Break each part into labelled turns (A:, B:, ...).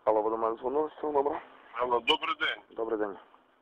A: Алло, ви до мене дзвонили з цього номера?
B: Алло, добрий день.
A: Добрий день.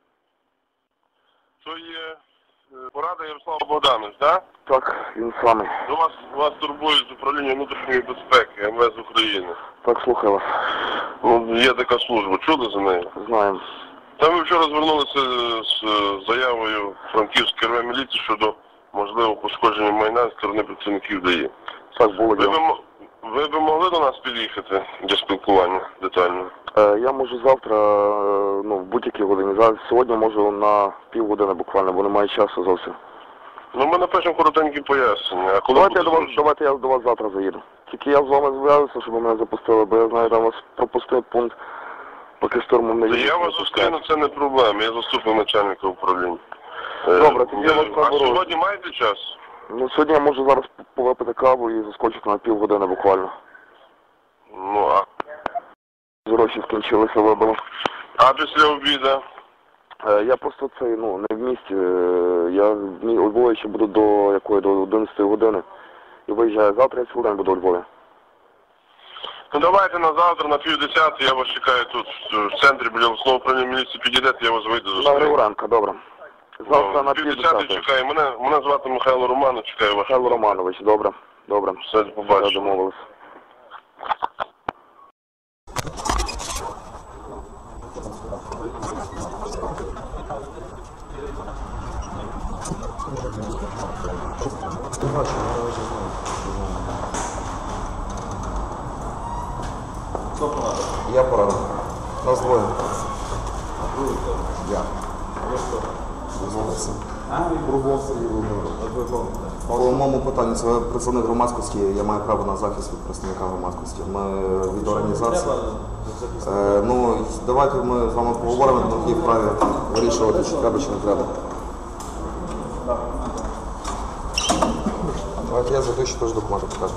B: То є порада Ярослав Богданович, так?
A: Так, він самий.
B: Вас турбують з управління внутрішньої безпеки МВС України.
A: Так, слухаю вас.
B: Ну, є така служба, чули за нею?
A: Знаємо.
B: Там ми вчора звернулися з заявою Франківської РВ міліції щодо можливого пошкодження майна з сторони працівників ДАІ.
A: Так, було діло.
B: Ви б могли до нас під'їхати для спілкування детально?
A: Я можу завтра, в будь-якій годині. Зараз сьогодні можу на півгодини буквально, бо немає часу зовсім.
B: Ну, ми напишемо коротенькі пояснення. А коли
A: Давайте я до вас завтра заїду. Тільки я з вами зв'язуюся, щоб мене запустили, бо я знаю, там вас пропустив пункт, поки штурмом не їздить.
B: Я вас зустріну, це не проблема. Я заступник начальника управління.
A: Добре, тоді я вас
B: А
A: наберу.
B: сьогодні маєте час?
A: Ну, сьогодні я можу зараз повипити каву і заскочити на півгодини буквально.
B: Ну, а?
A: Гроші скінчилися, вибили.
B: А після обіду?
A: Я просто не в місті. Я у Львові ще буду до 11 години. І виїжджаю завтра, я цілий день буду у Львові.
B: Ну давайте на завтра, на 9:30, я вас чекаю тут, в центрі, біля обласного управління міліції, підійдете, я вас вийду
A: На
B: зустріну.
A: Григоренка, добре. Завтра на
B: 9:30 чекаю. Мене звати Михайло Романович, чекаю вас.
A: Михайло Романович, добре. Добре.
B: Все, побачимо.
A: Все, домовились.
C: Хто порадив?
A: Я порадив. Нас двоє. Я. По моєму питанню, це представник громадськості, я маю право на захист від представника громадськості. Ми від організації. Давайте ми з вами поговоримо, на якій вправі вирішувати, чи треба, чи не треба. Давайте я зайду, ще теж документи покажу.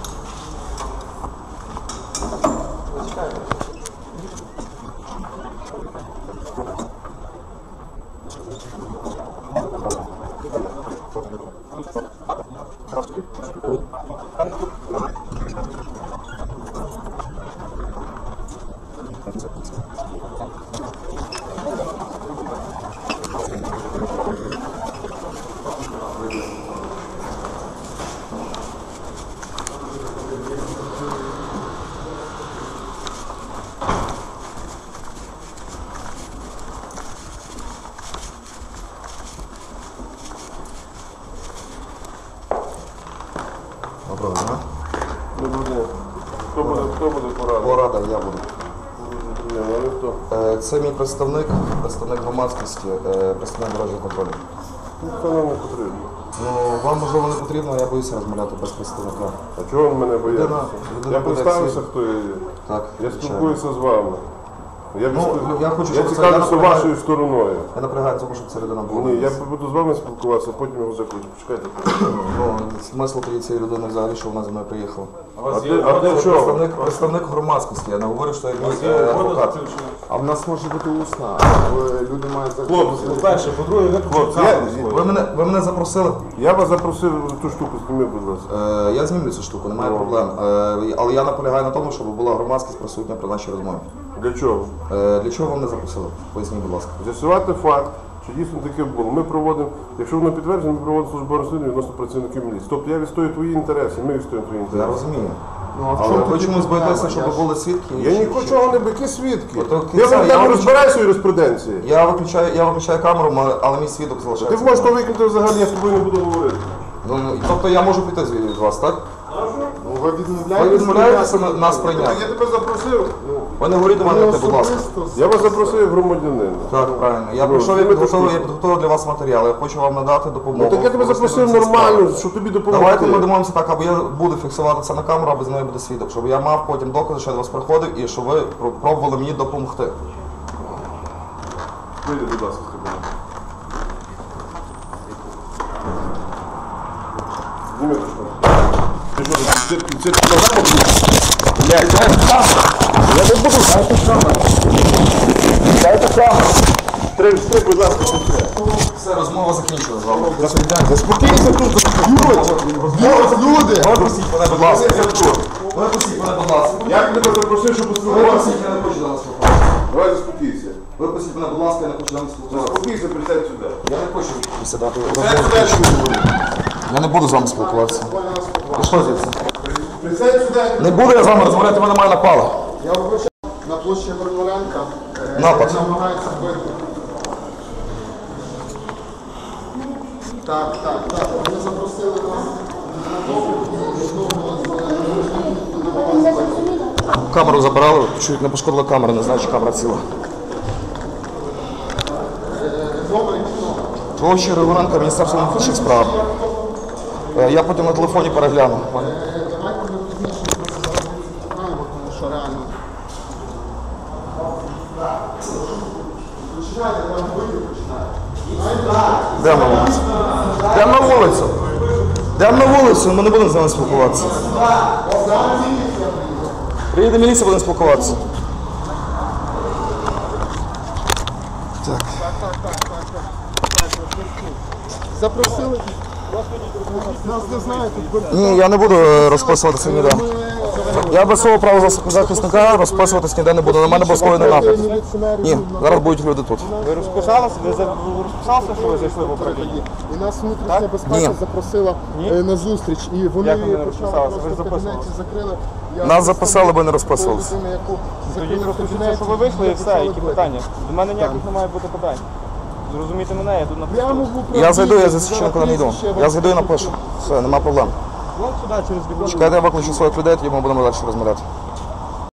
A: Доброго дня.
B: Хто буде порадити?
A: Порада, я буду.
B: Але хто?
A: Це мій представник громадськості, представник дорожнього контролю.
B: Це нам не потрібно.
A: Вам, можливо, не потрібно, я боюся розмовляти без представника.
B: А чого ви мене боїтеся? Я
A: буде
B: представився,
A: як
B: хто я є.
A: Так,
B: Я
A: звичайно.
B: спілкуюся з вами. Я цікавлюся
A: напрягаю-
B: вашою стороною.
A: Я напрягаю, тому що ця людина була.
B: Ні, я буду з вами спілкуватися, а потім його закручу. Почекайте.
A: Смисл тоді цієї людини взагалі, що вона зі мною приїхала.
B: А для чого?
A: Представник громадськості, я не говорю, що я мій адвокат.
C: А в нас може бути усна, люди мають
B: Хлопці,
C: перше, по-друге,
A: Ви мене запросили?
B: я вас запросив ту штуку, зніми, будь ласка.
A: Я знімлю цю штуку, немає проблем. Але я наполягаю на тому, щоб була громадськість присутня при нашій розмові.
B: Для чого?
A: Для чого вам не запросили? Поясніть, будь ласка.
B: З'ясувати факт, чи дійсно таке було. Ми проводимо, якщо воно підтверджено, ми проводимо службове розслідування відносно працівників міліції. Тобто я відстоюю твої інтереси, ми відстоюємо твої
A: Я
B: інтереси.
A: розумію. Але ви чомусь боїтеся, щоб були свідки?
B: Я нічого не які свідки.
A: Я
B: Я розбираюся у юриспруденції.
A: Я виключаю камеру, але мій свідок залишається.
B: Ти можеш то викинути взагалі, я з тобою не буду говорити.
A: Тобто я можу піти від вас, так?
C: Ви
A: Ви відмовляєтеся нас прийняти?
B: Я тебе запросив.
A: Ви не говоріть до мене, будь ласка.
B: Я вас запросив як громадянина.
A: Так, правильно. Я прийшов, я підготував для вас матеріал. Я хочу вам надати допомогу.
B: Так я тебе запросив нормально, щоб тобі допомогти.
A: Давайте ми домовимося так, або я буду фіксувати це на камеру, або з мною буде свідок, щоб я мав потім докази, що я до вас приходив і щоб ви пробували мені допомогти.
B: Вийди, будь ласка, з тобою. Зніми ту штуку. Ти що, це програма буде? Блядь, я не буду. Дайте камеру. Стрим, будь ласка,
A: Все, розмова закінчилась з вами.
B: заспокійся тут, люди.
A: Випустіть мене, будь ласка. Випустіть мене, будь ласка.
B: Я тебе запросив.
C: вийшов поспілкуватися, я не хочу зараз спілкуватися. Давай заспокійся. Випустіть мене, будь ласка, я не хочу зараз спілкуватися. Заспокійся, присядь сюди. Я не хочу присідати. Я не буду з вами спілкуватися. Пішли звідси.
D: Присядь сюди.
C: Не буду я з вами розмовляти, ви на мене напали.
D: Я вибачаю. На площі Горноленка
C: Напад.
D: намагається вбити. Так. Вони запросили нас на допит
C: Камеру забирали, чуть не пошкодила камера, не знаю, чи камера ціла. Площа Григоренка, Міністерство внутрішніх справ. Я потім на телефоні перегляну.
D: Давайте ми пізніше зараз знаємо, тому що реально. Починайте, там вийти починайте.
C: Йдемо на вулицю. Йдемо на вулицю. Йдемо на вулицю, ми не будемо з вами спілкуватися. Приїде міліція, будемо спілкуватися. Так.
D: Запросили. Нас не знають, тут
C: Ні, я не буду розписуватися ніде. Я без свого правозахисника розписуватись ніде не буду. На мене був скоєний напад. Ні, зараз будуть люди тут.
E: Ви розписалися? Ви розписалися, що ви зайшли в управління?
D: І нас внутрішня безпека
C: Ні.
D: запросила на зустріч. І вони
E: Як вони не
D: почали
E: розписалися? Ви
D: просто в кабінеті
E: записувалися?
D: закрили. Я
C: Нас
D: просто
C: записали, бо не розписувалися.
D: людина, яку
E: Тоді
D: закрили в
E: просто
D: кабінеті,
E: що ви вийшли і все,
D: почали
E: які
D: бити.
E: питання? До мене ніяких не має бути питань. Зрозумійте мене, я тут
D: Прямо
E: напишу.
D: в управлінні.
C: Я зайду, я за нікуди не йду.
D: Прізвище,
C: Я зайду і напишу. Все, нема проблем.
E: Вон сюди через бігон.
C: Чекайте, я виключу своїх людей, тоді ми будемо далі розмовляти.